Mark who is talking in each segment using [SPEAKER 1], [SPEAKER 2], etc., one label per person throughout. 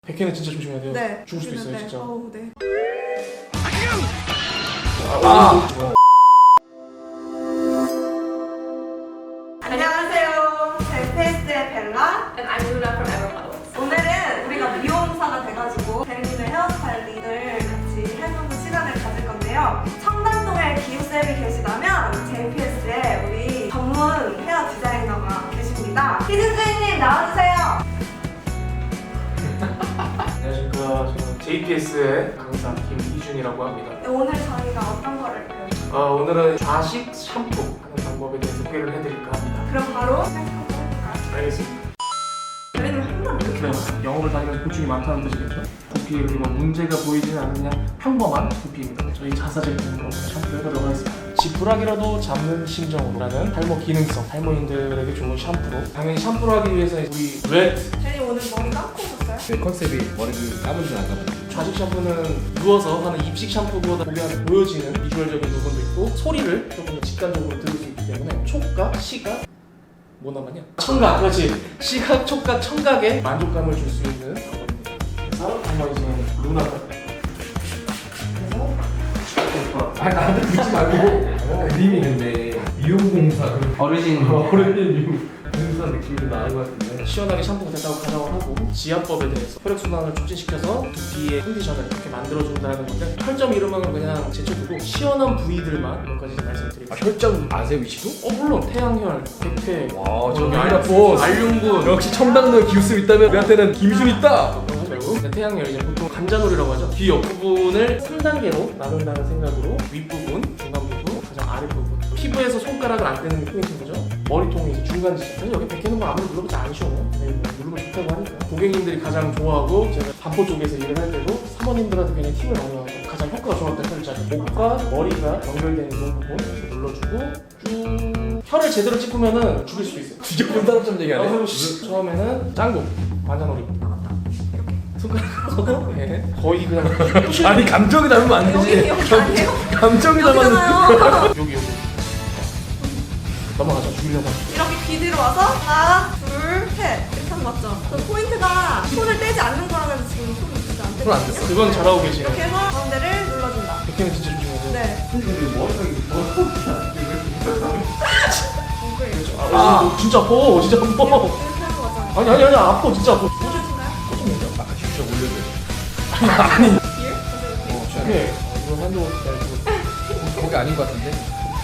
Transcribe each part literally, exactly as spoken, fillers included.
[SPEAKER 1] 백회는 진짜 조심해야 돼요.
[SPEAKER 2] 네.
[SPEAKER 1] 죽을 수도 있어요,
[SPEAKER 2] 네.
[SPEAKER 1] 진짜.
[SPEAKER 2] 어우, 네.
[SPEAKER 1] 아, 아.
[SPEAKER 2] 안녕하세요. 제이피에스의 벨라.
[SPEAKER 3] And I'm Luna from Ever Models.
[SPEAKER 2] 오늘은 우리가 미용사가 돼가지고 대리님의 헤어스타일링을 같이 해보는 시간을 가질 건데요. 청담동에 기우쌤이 계시다면 제이피에스에 우리 전문 헤어 디자이너가 계십니다. 희진주인님 나와주세요.
[SPEAKER 1] 안녕하십니까. 저는 제이피에스의 강사 김희준이라고 합니다.
[SPEAKER 2] 네, 오늘 저희가 어떤 거를 배울까요?
[SPEAKER 1] 어, 오늘은 좌식 샴푸 하는 방법에 대해서 소개를 해드릴까 합니다.
[SPEAKER 2] 그럼 바로 시작해볼까요?
[SPEAKER 1] 알겠습니다.
[SPEAKER 2] 대리님 한번 이렇게
[SPEAKER 1] 네, 영업을 다니면서 고충이 많다는 뜻이겠죠. 두피에 그리고 문제가 보이지는 않는 그냥 평범한 두피입니다. 저희 자사 제품으로 샴푸를 해보도록 하겠습니다. 지푸라기라도 잡는 심정으로라는 탈모 기능성 탈모인들에게 좋은 샴푸로, 당연히 샴푸를 하기 위해서는 우리 렛
[SPEAKER 2] 대리님 오늘 머리 감고 오셨어요?
[SPEAKER 4] 네, 컨셉이 머리를 감은 줄 알까
[SPEAKER 1] 좌식 샴푸는 누워서 하는 입식 샴푸보다 보면 보여지는 비주얼적인 부분도 있고 소리를 조금 더 직관적으로 들을 수 있기 때문에 촉각, 시각, 뭐 남았냐? 청각, 그렇지. 시각, 촉각, 청각에 만족감을 줄 수 있는 방법입니다. 그래서 한번 이제 루나가 그래서
[SPEAKER 4] 아, 나한테 듣지 말고 그림이 근데 미용공사
[SPEAKER 5] 어르신
[SPEAKER 4] 어른인 미용공사 느낌이 나는 것 같은데
[SPEAKER 1] 시원하게 샴푸가 됐다고 가정을 하고 지압법에 대해서 혈액순환을 촉진시켜서 두피의 컨디션을 이렇게 만들어준다는 건데 혈점 이름은 그냥 제쳐두고 시원한 부위들만 몇 가지 말씀드릴게요.
[SPEAKER 4] 아, 혈점 아세요 위치도?
[SPEAKER 1] 어 물론 태양혈, 백회,
[SPEAKER 4] 와, 저
[SPEAKER 1] 알-
[SPEAKER 4] 미라포스.
[SPEAKER 1] 알륜군
[SPEAKER 4] 역시 첨당로에 기우스 있다면 우리한테는 김희준 있다!
[SPEAKER 1] 그런 거 하지 말고 근데 태양열 이제 보통 관자놀이라고 하죠. 귀 옆부분을 삼 단계로 나눈다는 생각으로 윗부분, 중간 부분, 가장 아랫부분 피부에서 손가락을 안 떼는 게 포인트인 거죠. 머리통이 이제 중간 지점. 그래서 여기 백회는 뭐 아무리 눌러보지 않으셔. 네, 뭐 누르면 좋다고 하니까 고객님들이 가장 좋아하고 제가 반포 쪽에서 일을 할 때도 사모님들한테 굉장히 팁을 많이 하고 가장 효과가 좋았던 혈자리 목과 머리가 연결되는 이 부분 이렇게 눌러주고 쭉 혀를 제대로 찝으면은 죽일 수도 있어요.
[SPEAKER 4] 뒤져본 사람처럼
[SPEAKER 1] 어,
[SPEAKER 4] 얘기하네
[SPEAKER 1] 그리고 시- 처음에는 짱구 관자놀이 손가락으로 네. 거의 그냥 부실-
[SPEAKER 4] 아니 감정이 닮으면 안
[SPEAKER 2] 여기
[SPEAKER 4] 되지
[SPEAKER 2] 여기 아니에요?
[SPEAKER 4] 감정이 닮았는데
[SPEAKER 2] 여기잖아요.
[SPEAKER 1] 여기 여기 넘어가자. 죽이려고 하죠.
[SPEAKER 2] 이렇게 귀 뒤로 와서 하나, 둘, 셋 이렇게 하면 맞죠? 그 포인트가 손을 떼지 않는 거라면 지금 손을 진짜 안
[SPEAKER 4] 손안
[SPEAKER 2] 떼거든요?
[SPEAKER 4] 뗐어.
[SPEAKER 1] 그건 잘하고 계시네.
[SPEAKER 2] 이렇게 해서 가운데를 눌러준다.
[SPEAKER 1] 백회는 진짜 조심해야 돼.
[SPEAKER 2] 네.
[SPEAKER 4] 근데 머리가
[SPEAKER 2] 엉클.
[SPEAKER 1] 아, 아 진짜 아파. 진짜 아파.
[SPEAKER 2] 이렇게 하는 거잖아요.
[SPEAKER 1] 아니 아니 아니 아파 진짜 아파.
[SPEAKER 2] 보여주신가요?
[SPEAKER 4] 아까 진짜 올려줘
[SPEAKER 2] 뒤에?
[SPEAKER 4] 어,
[SPEAKER 1] 오케이. 어, 이거 한도 야
[SPEAKER 4] 거기 아닌 것 같은데?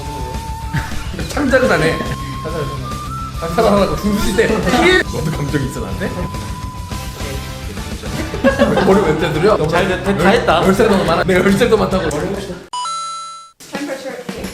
[SPEAKER 4] 창작은 안 해.
[SPEAKER 1] 이거
[SPEAKER 4] 사람 하나 중수시대. 너도 감정 있어 나한테? 머리 왜 떼드려?
[SPEAKER 1] 잘 됐- 다 했다.
[SPEAKER 4] 열살 더 많아. 내가 열살 더 많다고.
[SPEAKER 2] Temperature key.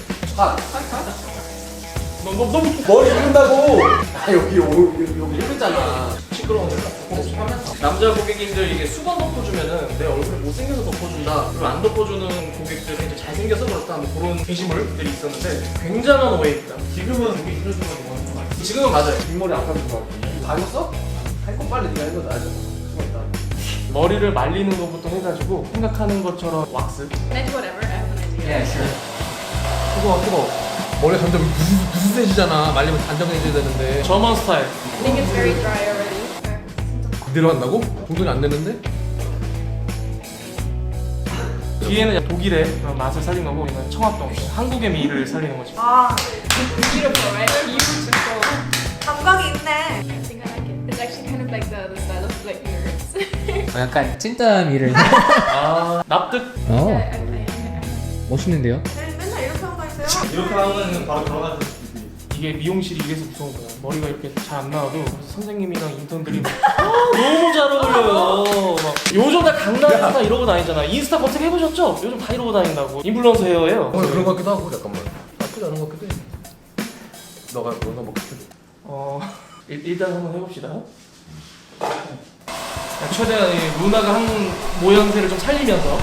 [SPEAKER 1] 너무 너무
[SPEAKER 4] 머리 이른다고. 아 여기 여기 여기 이르잖아.
[SPEAKER 1] 시끄러운 남자 고객님들 이게 수건 덮어주면은 내 얼굴이 못생겨서 덮어준다 그리고 안 덮어주는 고객들은 이제 잘생겨서 그렇다 뭐 그런 게시물들이 있었는데 굉장한 오해입니다. 지금은 우리 이런 거 많이 지금은 맞아요.
[SPEAKER 4] 뒷머리 아까 그거 다 했어? 할 거 빨리 네가 해도 나죠.
[SPEAKER 1] 머리를 말리는 것부터 해가지고 생각하는 것처럼 왁스
[SPEAKER 3] Meant whatever, I have an idea.
[SPEAKER 5] Yes.
[SPEAKER 1] 뜨거워 뜨거워
[SPEAKER 4] 머리 점점 부스 부스해지잖아. 말리면 단정해져야 되는데.
[SPEAKER 1] 저만 스타일.
[SPEAKER 3] I think it's very dry already.
[SPEAKER 4] 그대로 한다고? 정돈이 안 되는데?
[SPEAKER 1] 뒤에는 독일의 그런 맛을 살린 거고 이건 청합동 한국의 미를 살리는 거지.
[SPEAKER 2] 아,
[SPEAKER 3] Beautiful, right? Beautiful.
[SPEAKER 2] 감각이 있네.
[SPEAKER 3] I think I like it. It's actually kind of like the, the style of like nerds.
[SPEAKER 5] 어, 약간 찐따미를.
[SPEAKER 1] 아 납득.
[SPEAKER 5] 어,
[SPEAKER 3] I, I, I, I,
[SPEAKER 5] 멋있는데요?
[SPEAKER 2] 대리님 맨날 이렇게 하고 다니세요?
[SPEAKER 6] 이렇게 하면 바로 들어가는
[SPEAKER 1] 이게 미용실이 이래서 무서운 거야. 머리가 이렇게 잘 안 나와도 선생님이랑 인턴들이 막 아, 너무 잘 어울려요. 막 요즘 다 강남스타 이러고 다니잖아. 인스타 검색해 보셨죠? 요즘 다 이러고 다닌다고. 인플루언서 헤어예요.
[SPEAKER 4] 어, 그런 것 같기도 하고 잠깐만. 나쁘지 않은 것 같기도 해. 너가 너가 먹고 싶어.
[SPEAKER 1] 어 일, 일단 한번 해봅시다. 최대한 이 루나가 한 모양새를 좀 살리면서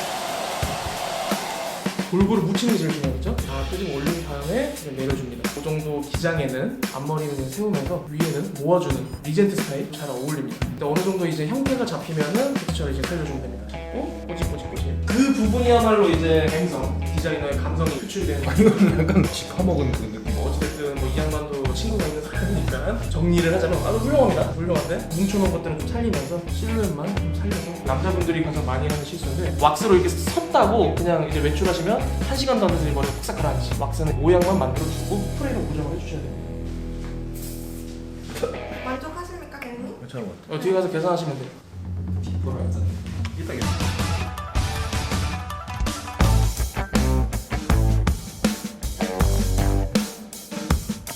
[SPEAKER 1] 골고루 묻히는 게 제일 중요하겠죠? 자, 끄집 올린 다음에 이제 내려줍니다. 그 정도 기장에는 앞머리는 이제 세우면서 위에는 모아주는 리젠트 스타일 잘 어울립니다. 근데 어느 정도 이제 형태가 잡히면은 텍스처를 이제 살려주면 됩니다. 잡고 꼬집꼬집꼬집. 그 부분이야말로 이제 감성, 디자이너의 감성이 표출되는
[SPEAKER 4] 이거는 약간 쥐 파먹은 그 느낌.
[SPEAKER 1] 뭐 어찌됐든 뭐 이 양반도 친구가 있는 사람이니까 약간 정리를 하자면 아주 훌륭합니다. 훌륭한데 뭉쳐놓은 것들은 좀 살리면서 실루엣만 좀 살려서 남자분들이 가장 많이 하는 실수인데 왁스로 이렇게 섰다고 그냥 이제 외출하시면 한 시간도 안 돼서 이 머리가 푹싹 가라앉지. 왁스는 모양만 만들어주고 스프레이로 고정을 해주셔야 됩니다.
[SPEAKER 2] 만족하십니까, 대리님?
[SPEAKER 4] 괜찮은 것 같아.
[SPEAKER 1] 어, 뒤에 가서 계산하시면 돼요.
[SPEAKER 4] 이따 계산.